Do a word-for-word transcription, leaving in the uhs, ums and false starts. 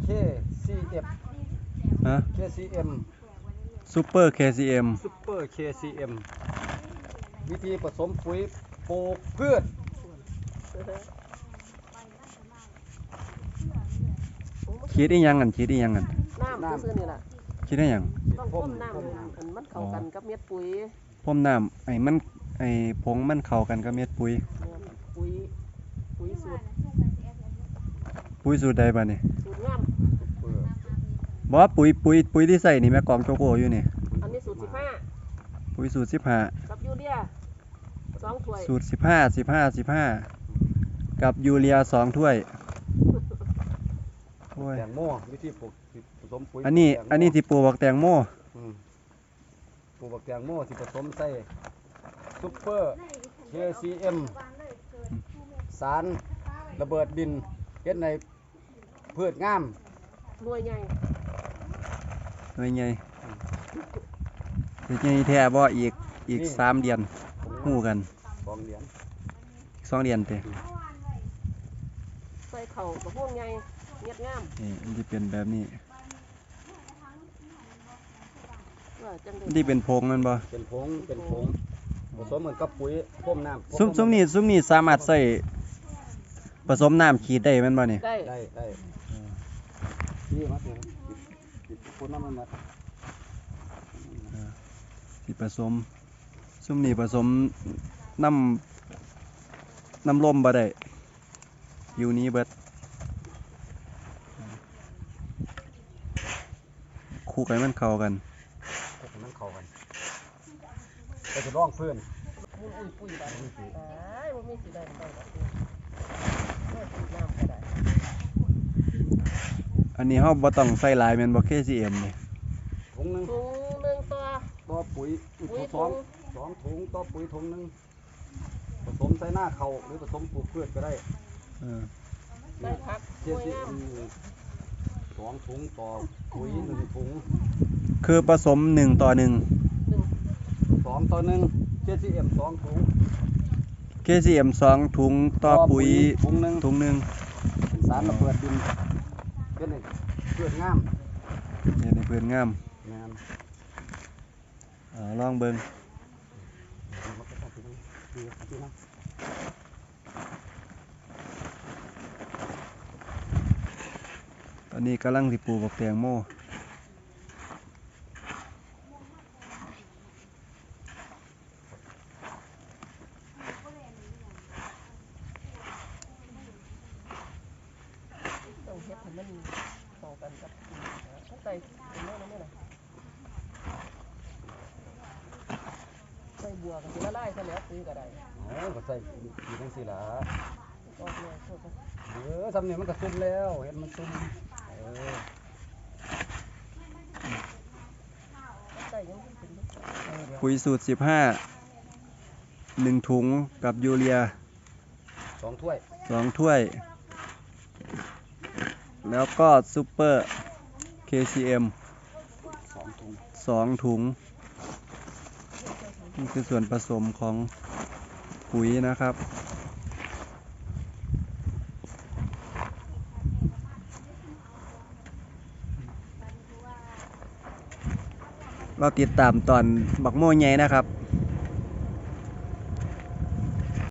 เค ซี เอฟฮะเค ซี เอ็มซูเปอร์ เค ซี เอ็มซุปเปอร์ เค ซี เอ็ม วิธีผสมปุ๋ยปลูกพืชคิดอีหยังกันคิดอีหยังกันน้ำซื้อนี่แหละคิดได้หยังต้องพ่นน้ำอันมันเข้ากันกับเม็ดปุ๋ยพ่มน้ำไอ้มันไอ้ผงมันเข้ากันกับเม็ดปุ๋ยปุ๋ยปุ๋ยสูตรปุ๋ยสูตรใดบ้านี่สูตรงามเพื่อบอกว่าปุ๋ยปุ๋ยปุ๋ยที่ใส่นี่แม่กองโจโก้อยู่นี่อันนี้สูตรสิบห้าปุ๋ยสูตรสิบห้ากับยูเรียสองถ้วยสูตรสิบห้าสิบห้าสิบห้ากับยูเรียสองถ้วยโอ้ยแตงโมวิธีปลูกผสมปุ๋ยอันนี้แตงโมอันนี้ที่ปลูกบักแตงโมอืมปลูกบักแตงโมที่ผสมใส่ซุปเปอร์ เค ซี เอ็ม สารระเบิดดินเฮ็ดในพืชงามหน่วยใหญ่หน่วยใหญ่หน่วยใหญ่แท้บ่อีกอีกสามเดือนฮู้กันสองเหรียญสองเดือนเต้ใส่เข่ากับพวกใหญ่เม็ดงามนี่มันจะเป็นแบบนี้ว่าจังมันได้ที่เป็นผงมันบ่เป็นผงเป็นผงผสมเหมือนกับปุ๋ยพ่มน้ำซุ้มซุ้มนี่ซุ้มนี่สามารถใส่ผสมน้ำขีดได้แมันบ่นี่ได้ได้ได้นี่มาเถอะติดคนน้ำมันมาที่ผสมซุ้มนี่ผสมน้ำน้ำลมบ่ได้อยู่นี้เบิดคู่กันมันเข้ากันพวกนั้นเข้ากันไปจะร้องเพื่อนมุนอุ้ยปุ้ยได้ตายบ่มีสิได้ได้ดอกเด้อสูตรน้ำก็ได้อันนี้เฮาบ่ต้องใส่หลายแม่นบ่ เค ซี เอ็ม นี่ถุงหนึงถุงหนึ่งตัวต่อปุ๋ยอีกปุ๋ยสองถุงสองถุงต่อปุ๋ยถุงหนึงผสมใส่หน้าเขาหรือผสมปลูกพืชก็ได้เออได้พักเคหน่วยซีงามสองถุงต่อปุ๋ยหนึ่งถุงคือผสมหนึ่งต่อหนึ่งหนึ่งสองต่อหนึ่งเคซีเอ็มสองถุงเค ซี เอ็ม สองถุงต่อปุ๋ยถุงหนึ่งถุงหนึงเป็นสารระเบิดดินเป็นไงเพื่อนงามเฮ็ดให้เพิ่นงามงามเอ่อลองเบิ่งตอนนี้กำลังสิปลูกบักแตงโมต้องเฮ็ดให้มันเข้ากันกับต้องใส่เป็นน้อยๆนี่ล่ะใส่บัวก็สิละลายซะแล้วปุ๋ยก็ได้โอ้ก็ใส่อยู่จังซี่ล่ะออกเลยโทษนะเออทำนี่มันก็ซุ่มแล้วเห็นมันซุ่มเออใส่ยังไม่ถึงลูกปุ๋ยสูตรสิบห้า หนึ่งถุงกับยูเรียสองถ้วยสองถ้วย แล้วก็ซูเปอร์ เค ซี เอ็มสองถุงสองถุง นี่คือส่วนผสมของปุ๋ยนะครับ เราติดตามตอนบักโม่ใหญ่นะครับ